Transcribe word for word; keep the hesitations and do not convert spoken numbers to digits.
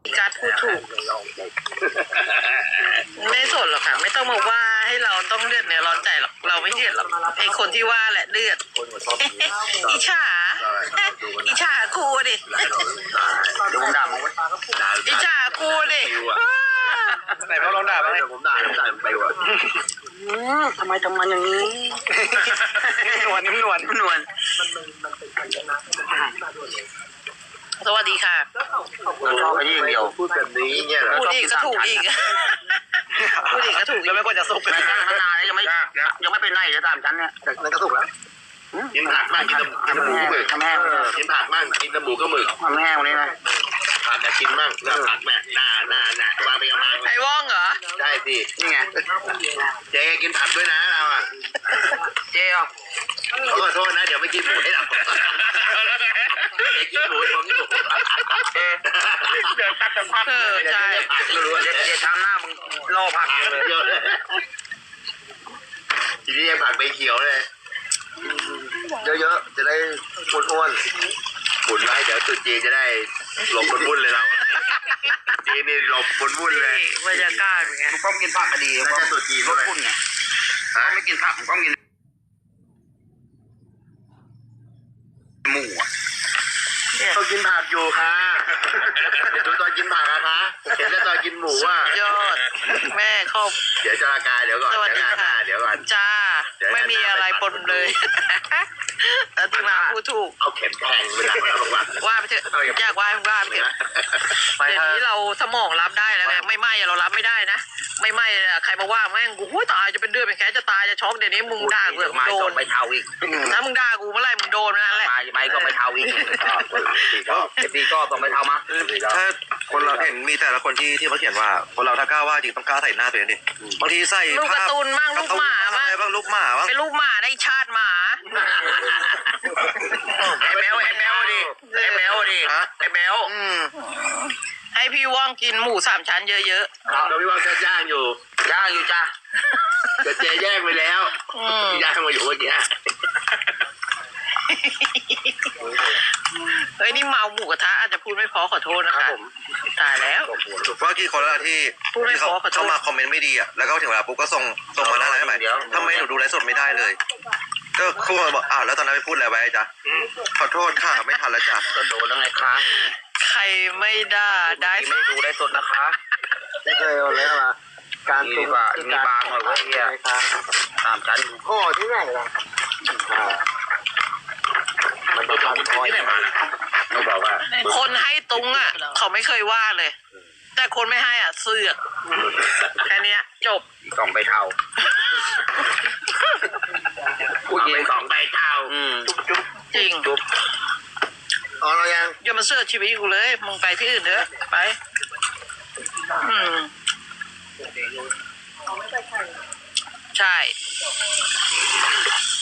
การพูดถูกไม่สนหรอกค่ะไม่ต้องมาว่าให้เราต้องเลือดเนี่ยร้อนใจหรอกเราไม่เดือดหรอกไอคนที่ว่าแหละเลือดอิจฉาอิจฉาครูดิดูผมด่ามึงอิจฉาครูดิไหนพ่อลองด่าบ้างผมด่าผมด่าไปว่ะทำไมทำมันอย่างนี้นวลนิ่มนวลนิ่มนวลสวัสดีค่ะไอ้ยี่เดียวพูดแบบนี้เนี่ยเหรอพูดอีกก็ถูกอีกพูดอีกก็ถูกแล้วไม่ควรจะสุกเลยขนาดนี้ยังไม่ยังไม่เป็นไรเลยตามฉันเนี่ยนั่นก็สุกแล้วกินผักมากกินน้ำหมูก็หมึกทำแห้งกินผักมากกินน้ำหมูก็หมึกทำแห้งวันนี้นะผักจะกินมั่งแล้วผักแม่หนาหนาหนาวางไปเอามาไอ้ว่องเหรอได้สินี่ไงเจ๊กินผักด้วยนะเราอ่ะเจ๊อ่ะขอโทษนะเดี๋ยวไม่กินหมูให้เราเจ๊กินหมูผมอยู่เจ๊เดี๋ยวตัดแต่ผักเลยใช่เจ๊ทำหน้ามึงล่อผักเลยเยอะเลยทีนี้ผักใบเขียวเลยเยอะๆจะได้อ้วนๆบุญไว้เดี๋ยวตุ๊จีจะได้หลบบนวุ่นเลยเราจีนี่หลบบนวุ่นเลยบรรยากาศเป็นไงก็กินผักก็ดีแล้วก็ตุ๊จีลดวุ่นไงถ้าไม่กินผักก็กินหมูอ่ะก็กินผักอยู่ค่ะดูตอนกินผักอะคะเห็นแล้วตอนกินหมูอ่ะยอดแม่ครบเดี๋ยวจะรากาเดี๋ยวก่อนสวัสดีค่ะเดี๋ยวก่อนจ้าไม่มีอะไรปนเลยแล้วที่มาพูดถูกเอาเข็มแทงเวลาเราบอกว่าว่าไปเถอะอยากว่าว่าไปเถอะเดี๋ยวนี้เราสมองรับได้แล้วไงไม่ไหม้เรารับไม่ได้นะไม่ไหม้ใครมาว่าแม่งกูหูตายจะเป็นเดือดเป็นแขนจะตายจะช็อกเดี๋ยวนี้มึงด่ากูโดนไปเท่าอีกถ้ามึงด่ากูเมื่อไรมึงโดนนั่นแหละไม่ก็ไปเท่าอีกก็ตีก็ต้องไปเท่ามาถ้าคนเราเห็นมีแต่ละคนที่ที่เขาเขียนว่าคนเราถ้ากล้าว่าจริงต้องกล้าใส่หน้าตัวเองดิบางทีใส่ลูกการ์ตูนมั่งลูกหมาบ้างบ้างลูกหมาบ้างเป็นลูกหมาได้ชาติหมาไอ้แมวไอ้แมวดิไอ้แมวดิไอ้แมวให้พี่ว่องกินหมูสามชั้นเยอะๆเราพี่ว่องจะย่างอยู่ย่างอยู่จ้าเดี๋ยวเจ๊แย่งไปแล้วย่างมาอยู่เมื่อกี้เฮ้ยนี่เมาหมูกระทะอาจจะพูดไม่พอขอโทษนะคะตายแล้วว่ากี่คนแล้วที่ที่เขาเข้ามาคอมเมนต์ไม่ดีอ่ะแล้วก็ถึงเวลาปุ๊บก็ส่งส่งมาหน้าไลน์ใหม่ทำไมหนูดูไลฟ์สดไม่ได้เลยก็ครูบอกอ้าวแล้วตอนนั้นไปพูดอะไรไว้จ๊ะขอโทษค่ะไม่ทันแล้วจ้ะก็โดนแล้วไงคะใครไม่ได้ได้ไม่ดูไลฟ์สดนะคะไม่เคยเอาเลยมาการมีบามีบางหน่อยว่าเฮียตามกันพ่อที่ไหนล่ะมันต้องทำที่ไหนมาไม่บอกว่าคนให้ตุงอ่ะเขาไม่เคยว่าเลยแต่คนไม่ให้อ่ะเสือกแค่นี้จบสองใบเทาผู้หญิงสองใบเทาจริงจุ๊บอ๋อเรายังอย่ามาเสือกชีวิตกูเลยมึงไปที่อื่นเถอะไปอืมใช่